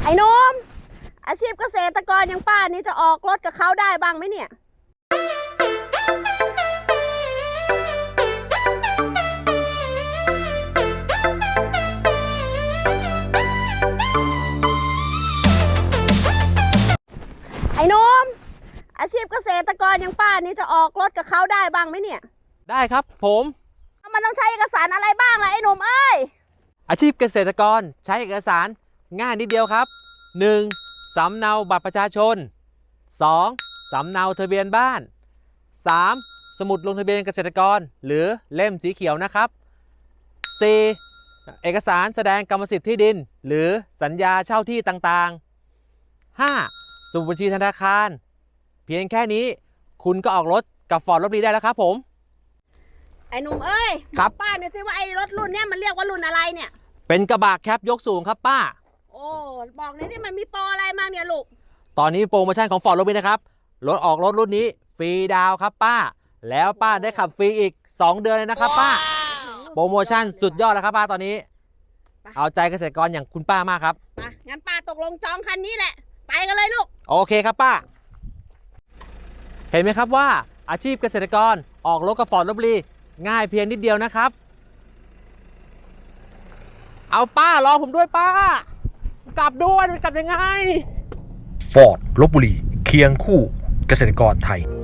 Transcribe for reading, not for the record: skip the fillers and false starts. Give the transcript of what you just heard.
ไอ้นมอาชีพเกษตรกรอย่างป้านี่จะออกรถกับเขาได้บ้างไหมเนี่ยไอ้นมอาชีพเกษตรกรอย่างป้านี่จะออกรถกับเขาได้บ้างไหมเนี่ยได้ครับผมมันต้องใช้เอกสารอะไรบ้างล่ะไอ้หนุ่มเอ้ยอาชีพเกษตรกรใช้เอกสารง่ายนิดเดียวครับ 1. สำเนาบัตรประชาชน 2. สำเนาทะเบียนบ้าน 3. สมุดลงทะเบียนเกษตรกรหรือเล่มสีเขียวนะครับ 4. เอกสารแสดงกรรมสิทธิ์ที่ดินหรือสัญญาเช่าที่ต่างๆ 5. สมุดบัญชีธนาคารเพียงแค่นี้คุณก็ออกรถกับฟอร์ดลพบุรีได้แล้วครับผมไอ้หนุ่มเอ้ยครับป้าเนี่ยสิว่าไอ้รถรุ่นเนี้ยมันเรียกว่ารุ่นอะไรเนี่ยเป็นกระบะแคปยกสูงครับป้าโอ้บอกหน่อยนี่มันมีโปรอะไรบ้างเนี่ยลูกตอนนี้โปรโมชั่นของฟอร์ดลพบุรีนะครับรถออกรถรุ่นนี้ฟรีดาวครับป้าแล้วป้าได้ขับฟรีอีก2เดือนเลยนะครับป้าโปรโมชั่นสุดยอดแล้วครับป้าตอนนี้เอาใจเกษตรกรอย่างคุณป้ามากครับงั้นป้าตกลงจองคันนี้แหละไปกันเลยลูกโอเคครับป้าเห็นไหมครับว่าอาชีพเกษตรกรออกรถกับฟอร์ดลพบุรีง่ายเพียงนิดเดียวนะครับเอาป้ารอผมด้วยป้ากลับด้วยมันกลับยังไงฟอร์ดลพบุรีเคียงคู่เกษตรกรไทย